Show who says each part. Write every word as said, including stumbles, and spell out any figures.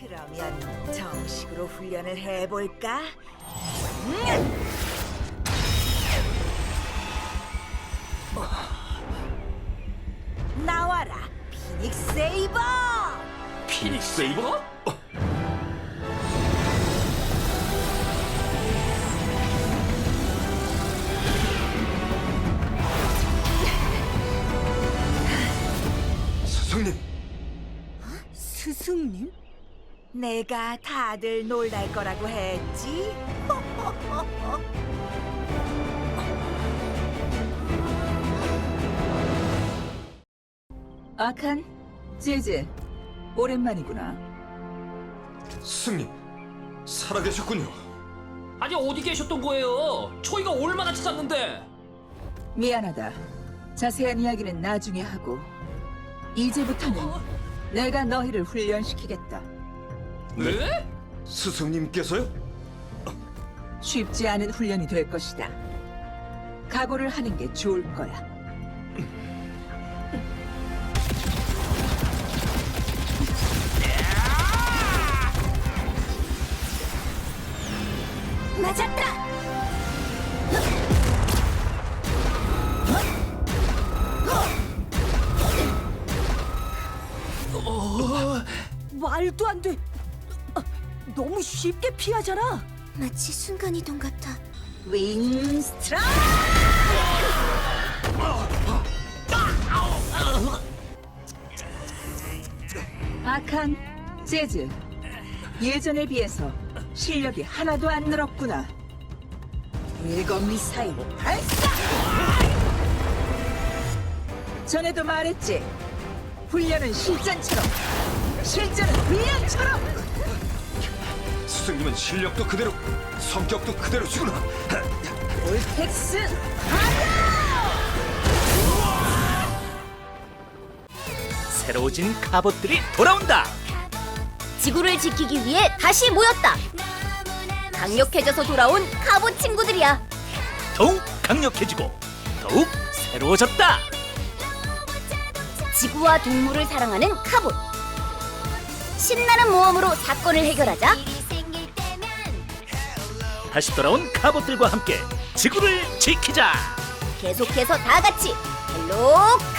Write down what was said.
Speaker 1: 그러면 정식으로 훈련을 해볼까? 나와라, 피닉스 세이버!
Speaker 2: 피닉스 세이버? 어, 스승님,
Speaker 1: 스승님? 내가 다들 놀랄 거라고 했지?
Speaker 3: 아칸, 제제, 오랜만이구나.
Speaker 2: 스승님, 살아계셨군요.
Speaker 4: 아니 어디 계셨던 거예요? 저희가 얼마나 찾았는데.
Speaker 3: 미안하다. 자세한 이야기는 나중에 하고 이제부터는 내가 너희를 훈련시키겠다.
Speaker 4: 네?
Speaker 2: 스승님께서요?
Speaker 3: 쉽지 않은 훈련이 될 것이다. 각오를 하는 게 좋을 거야.
Speaker 1: 맞았다! 말도 안 돼! 아, 너무 쉽게 피하잖아!
Speaker 5: 마치 순간이동 같아.
Speaker 1: 윙스트라!
Speaker 3: 아칸, 제즈, 예전에 비해서 실력이 하나도 안 늘었구나.
Speaker 1: 일곱 미사일 발사!
Speaker 3: 전에도 말했지. 훈련은 실전처럼, 실전은 훈련처럼.
Speaker 2: 스승님은 실력도 그대로, 성격도 그대로시구나.
Speaker 3: 올텍스
Speaker 6: 새로워진 갑옷들이 돌아온다.
Speaker 5: 지구를 지키기 위해 다시 모였다. 강력해져서 돌아온 갑옷 친구들이야.
Speaker 6: 더욱 강력해지고 더욱 새로워졌다.
Speaker 5: 지구와 동물을 사랑하는 갑옷. 신나는 모험으로 사건을 해결하자.
Speaker 6: 다시 돌아온 갑옷들과 함께 지구를 지키자.
Speaker 5: 계속해서 다 같이 헬로